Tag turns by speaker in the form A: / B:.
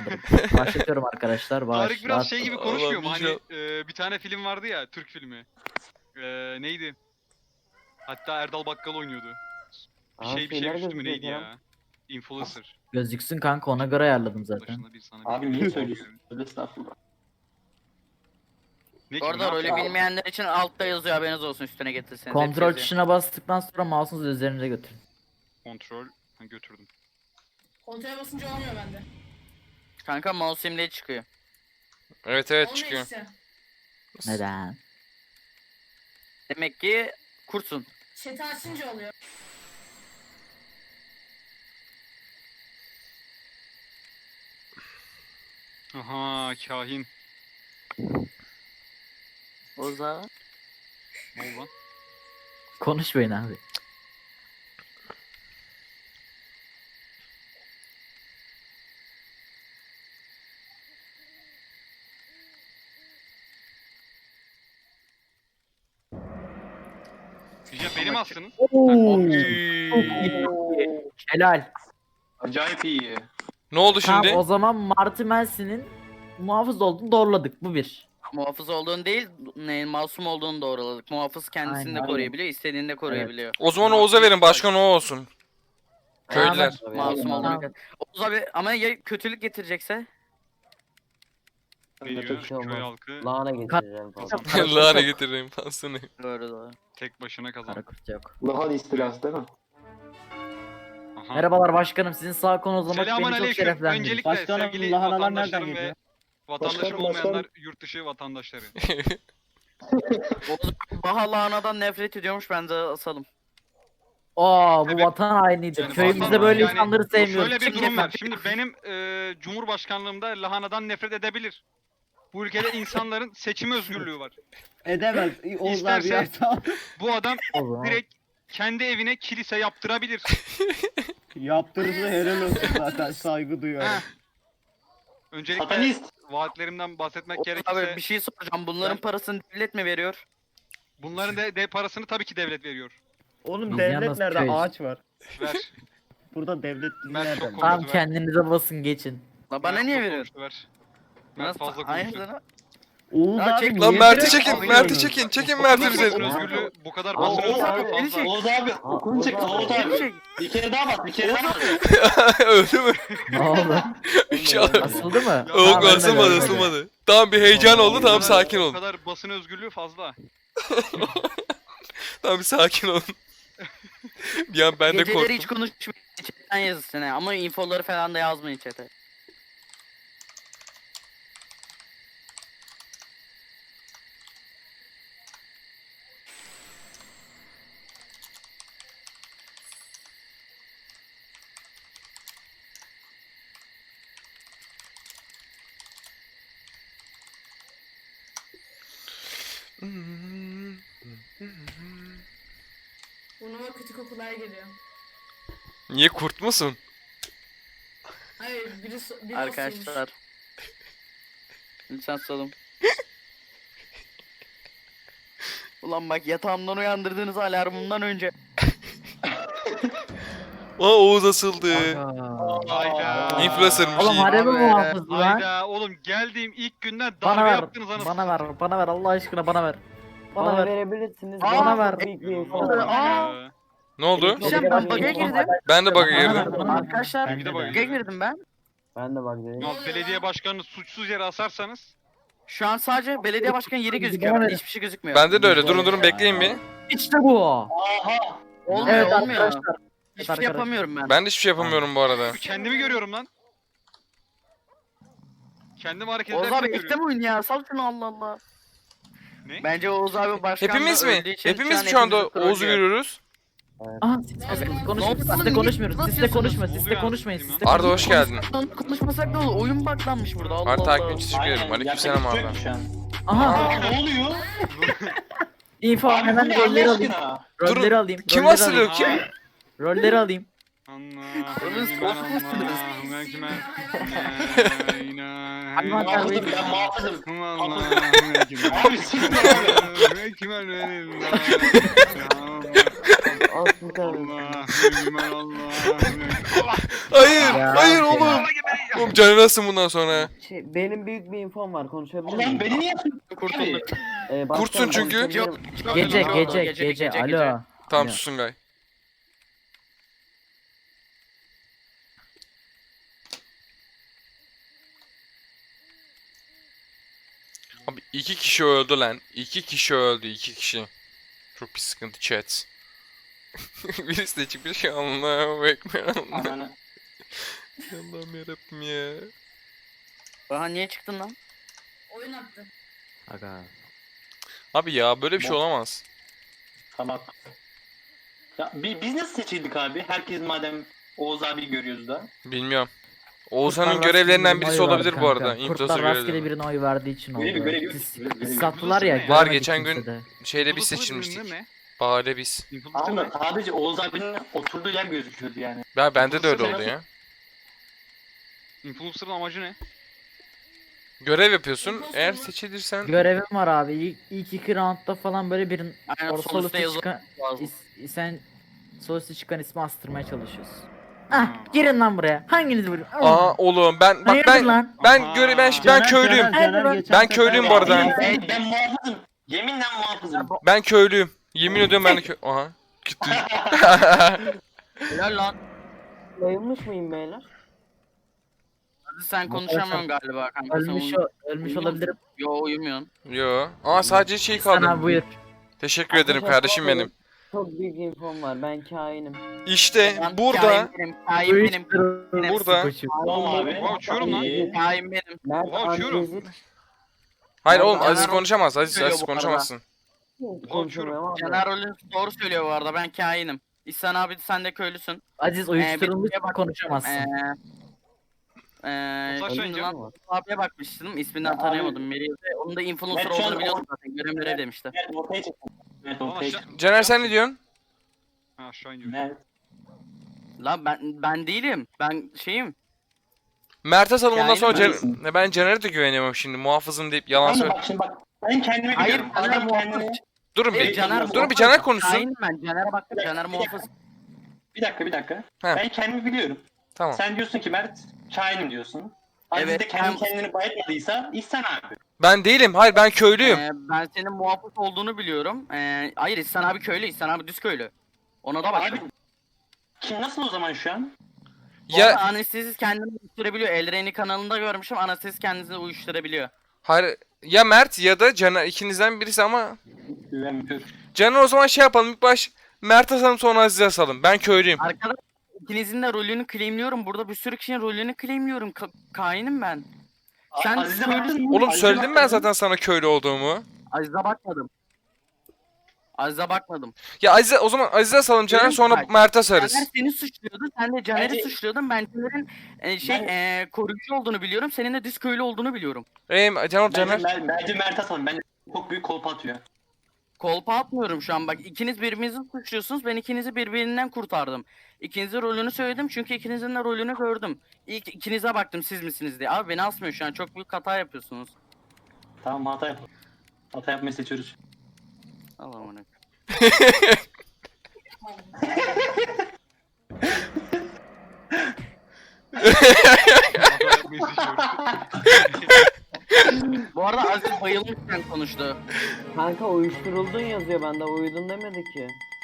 A: Tamamdır. Başlatıyorum arkadaşlar.
B: Tarık biraz şey gibi
C: Allah,
B: konuşmuyor mu? Hani
C: inşallah.
B: bir tane film vardı ya, Türk filmi. Neydi? Hatta Erdal Bakkal oynuyordu. Bir şey üstü mü neydi ya? Influencer.
A: Gözüksün kanka, ona göre ayarladım zaten.
B: Başında bir sana
D: Abi
B: bir
D: niye
B: şey
D: söylüyorsun? Öyle estağfurullah.
B: Ne ki,
E: Bu
B: ne
E: arada rolü
B: yapacağız?
E: bilmeyenler için altta yazıyor, haberiniz olsun, üstüne getirseniz.
A: Kontrol
E: hepsi yazıyor.
A: tuşuna bastıktan sonra mouse'unuzu üzerinize götürün.
B: Kontrol. Ha, götürdüm.
F: Kontrole basınca olmuyor bende.
E: Kanka mouse simliği çıkıyor.
C: Evet evet
F: Olmuyor
C: çıkıyor.
F: işte.
A: Neden?
E: Demek ki kursun.
F: Chat'i açınca oluyor.
B: Aha, kahin.
E: Oza.
B: Ne oldu lan?
A: Konuşmayın abi.
B: Diyeceğim benim aslında.
A: Helal.
D: Acayip iyi.
C: Ne oldu
A: Tamam,
C: şimdi?
A: o zaman Marty Melson'in muhafız olduğunu doğruladık. Bu bir.
E: Muhafız olduğunu değil, masum olduğunu doğruladık. Muhafız kendisini de
A: Aynen.
E: koruyabiliyor, istediğini de koruyabiliyor.
C: O zaman Oğuz'a verin, başkan o olsun. Köylüler.
E: Masum
A: Tamam.
E: olduğunu. Oğuz abi ama ya kötülük getirecekse?
B: Veriyor. Köy halkı
G: Lahana getireceğim falan.
B: kazandı.
C: Lahana getireyim pasını.
E: Doğru doğru.
B: Tek başına kazandı.
A: Karakurt yok.
D: Lahana istilası değil mi?
B: Aha.
A: Merhabalar başkanım, sizin sağ konuzlamak
B: Selamun
A: beni çok
B: aleyküm.
A: şereflendirir.
B: Öncelikle
G: Başkanım,
B: sevgili
G: lahanalar nereden
B: vatandaşlarım ve
G: geliyor?
B: vatandaşım
D: Başkanım,
B: olmayanlar yurt dışı vatandaşları.
E: Oğuz Baha lahanadan nefret ediyormuş, bence asalım.
A: Aa, bu
B: Evet.
A: vatan hainidir.
B: Yani
A: Köyümüzde
B: vatan-
A: böyle
B: yani
A: insanları
B: bu
A: sevmiyoruz.
B: Şöyle bir
A: Çıkın
B: durum var.
A: efendim.
B: Şimdi benim cumhurbaşkanlığımda lahanadan nefret edebilir. Bu ülkede insanların seçim özgürlüğü var.
G: Edemez. Oğuz abi
B: İsterse-
G: yapsa
B: Bu adam
A: O zaman.
B: direkt kendi evine kilise yaptırabilir.
G: yaptırırsa helal olsun zaten, saygı duyuyorum.
B: Heh. Öncelikle
D: Satanist.
B: vaatlerimden bahsetmek
E: Oğuz
B: gerekirse
E: abi bir şey soracağım. Bunların
B: Ben-
E: parasını devlet mi veriyor?
B: bunların de parasını tabii ki devlet veriyor.
G: Oğlum
A: Biz
G: devlet
A: yalnız
G: nerede?
A: köy.
G: Ağaç var.
B: Ver.
G: Burada devlet
B: Ben
G: nerede?
B: çok
A: Tamam,
B: Ver.
A: kendinize basın, geçin.
E: La bana
B: Mert
E: niye
B: çok
E: veriyor?
B: konuştu, ver. Mert
E: Nasıl?
B: fazla
E: Hayır
B: konuştu.
E: lan.
G: Oğuz
E: Ya
G: abi
E: çek-
C: Lan
G: niye
C: Mert'i
G: direkt
C: çekin,
G: alıyorsun?
C: Mert'i çekin, çekin Mert'i
B: Basın
C: bize.
B: özgürlüğü bu kadar
D: Aa,
B: basın
D: Oğuz
B: özgürlüğü
D: abi,
E: Beni
B: fazla.
E: çek.
D: Oğuz abi okunu çek Oğuz
E: Beni
D: abi.
E: çek.
D: Bir kere daha bak, bir kere daha bak.
C: Öldü mü?
A: Ne oldu?
C: İnşallah.
A: Asıldı mı?
B: Ya,
C: Yok
A: Tamam, ben de
C: asılmadı
A: görmedim.
C: asılmadı. Tamam bir heyecan oldu, tamam sakin
B: Bu
C: olun.
B: kadar basın özgürlüğü fazla.
C: Tamam bir sakin olun. Bir an ben de
E: Geceleri hiç
C: korktum.
E: konuşmayın. Chatten yazın ha. Ama infoları falan da yazmayın chat'e.
F: Burnuma kötü kokular geliyor.
C: Niye kurt musun?
F: Hayır, biri osuymuş.
E: Arkadaşlar. Lütfen salın. Ulan bak, yatağımdan uyandırdığınız alarmımdan önce.
C: Aa Oğuz asıldı.
A: Aa.
B: Hayda.
C: Influencer'mış
A: Oğlum
C: iyi.
A: harbi
E: Abi,
A: muhafız lan.
B: Hayda oğlum, geldiğim ilk günden
A: Bana
B: darbe
A: ver.
B: yaptınız anasını.
A: Bana ver. Bana ver. Allah aşkına bana ver. Bana ver.
G: verebilirsiniz.
A: Bana ver.
G: Büyük bir info
B: satayım.
G: var.
B: Hayda.
C: Ne oldu?
E: Diyeceğim, ben bug'a girdim.
C: Ben de bug'a
A: Bana ver,
C: girdim.
A: bana ver.
E: Arkadaşlar
B: Ben de bug'a
E: bug'a girdim ben.
G: Ben de bak dedim.
B: Ya belediye başkanını suçsuz yere asarsanız
E: Şu an sadece belediye başkanı yeri gözüküyor.
A: Bana ver.
E: Hiçbir şey gözükmüyor.
C: Bende de öyle. Durun durun bekleyin bir.
A: İşte bu.
D: Aha.
E: Olmuyor,
A: Evet
E: olmuyor.
A: arkadaşlar.
E: Hiçbir şey
A: arkadaşlar.
E: yapamıyorum ben.
C: Ben de hiçbir şey yapamıyorum bu arada.
B: kendimi görüyorum lan. Kendimi hareket
E: Oğuz
B: ederken
E: abi ekle
B: görüyorum.
E: mi oyun ya? Sal şunu, Allah Allah.
B: Ne?
E: Bence Oğuz abi başkan
C: Hepimiz
E: da
C: mi?
E: öldüğü için
C: Hepimiz
E: an
C: şu anda
E: hepimizi
C: Oğuz'u
E: trollüyor.
C: görüyoruz.
A: Aha, siz konuşmuyoruz. Siz de konuşmuyoruz. Siz de konuşma. Siz de konuşmayın. Siz de
C: Arda hoş geldin.
E: Konuşmasak ne olur? Oyun baklanmış burada, Allah
C: Arda
E: Allah.
C: takipçi teşekkür ederim.
D: Aynen,
C: Aleykümselam
D: yapacak
C: Arda.
D: bir şey yok şu an.
A: Aha.
D: Aa, ne oluyor?
A: info
D: Abi bu
A: hemen
D: ne
A: rolleri
D: Allah
A: alayım.
D: aşkına?
A: Rolleri alayım.
C: Kim
A: rolleri
C: asılıyor
A: alayım.
C: kim?
A: Rolleri alayım. Hayvan
D: Muhafızım,
A: terbiyesi.
D: ben muhafızım. Abi siz ne abi?
G: Aslı tabii.
C: Hayır,
A: Ya.
C: hayır oğlum. Oğlum canınasın bundan sonra.
G: Benim büyük bir infom var, konuşabilir miyim?
D: Ulan beni niye yaptın?
E: Kurtulduk.
G: Başkanım,
C: Kurtsun çünkü.
G: konuşabilirim.
A: Gece. Alo.
C: Tamam
A: Ya.
C: susun gay. Abi 2 kişi öldü lan. 2 kişi öldü, 2 kişi. Çok bir sıkıntı chat. Birisi de çıkmış ya, Allah'ım ekber Allah.
D: Ananı.
C: Allah'ım yarabbim ya.
E: Aha niye çıktın lan?
F: Oyun attı.
A: Aga.
C: Abi ya böyle bir şey olamaz.
D: Tamam. Ya biz nasıl seçildik abi? Herkes madem Oğuz abi görüyoruz da.
C: Bilmiyorum. Oğuzhan'ın
A: Kurtlar
C: görevlerinden
A: rastgele
C: birisi
A: birine oy
C: olabilir
A: verdi
C: bu arada.
A: kanka.
C: Influencer
A: Kurtlar rastgele
C: görevleri.
A: birine oy verdiği için oldu.
D: Görevi.
A: Sattılar ya.
B: Var,
A: göremedik
C: geçen gün-
A: kimse de.
C: Şeyde biz
B: Influencer
C: seçilmiştik.
B: ünlü mü?
C: Bahane biz.
B: Influencer ne?
D: Ama sadece Oğuz abinin oturduğu yer gözüküyordu yani.
C: Ya bende de öyle
B: Influencer
C: oldu ya.
B: Influencer'ın amacı ne?
C: Görev yapıyorsun.
F: Imposter
C: Eğer
F: mı?
C: seçilirsen
A: Görevim var abi. İlk iki roundda falan böyle birinin
E: Aynen sol
A: sol
E: üstte
A: üstte
E: yazılı
A: çıkan
E: lazım.
A: sen sol üstte çıkan ismi astırmaya çalışıyorsun. Ah, girin lan buraya. Hanginiz vuruyor?
C: Aa oğlum ben bak
A: Hayırdır
C: ben
A: lan?
C: ben
B: Aha.
C: göre ben köylüyüm. Ben köylüyüm bu arada.
D: Ben muhafızım. Yeminle muhafızım.
C: Ben köylüyüm. Yemin ediyorum ben de Aha. Gitti.
E: Helal lan.
G: Yayılmış mıyım beyler?
E: Hadi sen konuşamıyorsun galiba kanka. Sen
A: Ölmüş ölmüş
E: uyuyor
A: olabilirim.
E: Yo uyumuyorsun.
C: Yo. Aa sadece şey
A: Sen
C: kaldı.
A: abi buyur.
C: Teşekkür ederim kardeşim benim.
G: Çok büyük infom var, ben kainim.
C: İşte
E: Lan
C: burada
E: kain benim, kain benim.
C: burada-
D: Tamam abi.
B: Oha uçuyorum lan.
D: İyi.
E: Kain benim.
G: Mert
B: Oha, uçuyorum.
G: Andrezit
C: Hayır
E: Ya
C: oğlum
E: Caner
C: Aziz konuşamaz. Aziz
E: söylüyor
C: Aziz
E: bu arada.
C: konuşamazsın.
G: konuşamıyorum ama.
E: Caner rolün doğru söylüyor bu arada, ben kainim. İhsan abi sen de köylüsün.
A: Aziz uyuşturulmuş
E: bir-
A: konuşamazsın.
B: Fotoğraf
E: Şimdi
B: çekeceğim.
E: lan abiye bakmıştım, isminden tanıyamadım Meri'yi de. Onun da influencer
D: Ben şu an
E: olduğunu biliyordum zaten, görev demişti.
D: Evet ortaya çıktım. Evet
B: Ama
D: ortaya
B: aşağı...
D: çıktım.
C: Caner sen ne diyorsun?
B: Ha aşağı iniyor.
D: Evet.
E: Lan ben değilim, ben şeyim.
C: Mert'e salın ondan
E: Yani
C: sonra
D: ben-
C: ben Caner'e de güvenemiyorum şimdi. Muhafızım deyip yalan
D: Ama
C: söyle.
D: bak şimdi bak. Ben kendimi
E: Hayır,
D: biliyorum.
E: Caner
D: Adam
E: muhafız.
D: kendini...
C: Durun
E: Hayır,
C: bir.
E: Caner
C: Durun bir Caner konuşsun.
E: Kainim ben, Caner'e baktım, Caner muhafız.
D: Bir dakika.
C: He.
D: Ben kendimi biliyorum.
C: Tamam.
D: Sen diyorsun ki Mert kainim diyorsun. Aziz
E: Evet,
D: de kendi
E: ben-
D: kendini bayatmadıysa İhsan abi.
C: Ben değilim. Hayır ben köylüyüm.
E: Ben senin muhafız olduğunu biliyorum. Hayır, İhsan abi köylü, İhsan abi düz köylü. Ona da baktım.
D: Abi kim nasıl o zaman şu an?
C: Ya
E: Anestezis kendini uyuşturabiliyor. Elreni kanalında görmüşüm. Anestezis kendisini uyuşturabiliyor.
C: hayır ya Mert ya da Caner ikinizden birisi ama
D: Güvenmiyorum.
C: Caner o zaman şey yapalım ilk baş Mert asalım sonra Aziz'e asalım. Ben köylüyüm.
E: Arkadaş, ikinizin de rolünü claimliyorum. Burada bir sürü kişinin rolünü claimliyorum. Kainim ben. Sen
D: Aziz'e
E: köylüsün.
D: baktın mı?
C: Oğlum
D: Aziz'e
C: söyledim ben
D: baktın mı?
C: zaten sana köylü olduğumu.
E: Aziz'e bakmadım. Aziz'e bakmadım.
C: Ya Aziz'e o zaman Aziz'e asalım Caner
E: Diyorum ki
C: sonra
E: bak,
C: Mert'e
E: Caner
C: asarız.
E: seni suçluyordu. Sen de Caner'i
D: Bence-
E: suçluyordun. Ben Caner'in koruyucu olduğunu biliyorum. Senin de düz köylü olduğunu biliyorum.
C: Caner Caner.
D: Bence Mert Hasan. Bence çok büyük kolpa atıyor.
E: Kolpa atmıyorum şu an bak. İkiniz birbirinizi suçluyorsunuz. Ben ikinizi birbirinden kurtardım. İkinizin rolünü söyledim çünkü ikinizin de rolünü gördüm. İlk ikinize baktım siz misiniz diye. Abi beni asmıyor şu an. Çok büyük hata yapıyorsunuz.
D: Tamam hata yap. Hata yapmayı seçiyoruz.
E: Allah'ım ne.
B: Hata yapmayı seçiyoruz.
E: Bu arada Aziz bayılmışken konuştu.
G: Kanka uyuşturuldun yazıyor, bende uyudun demedi ki.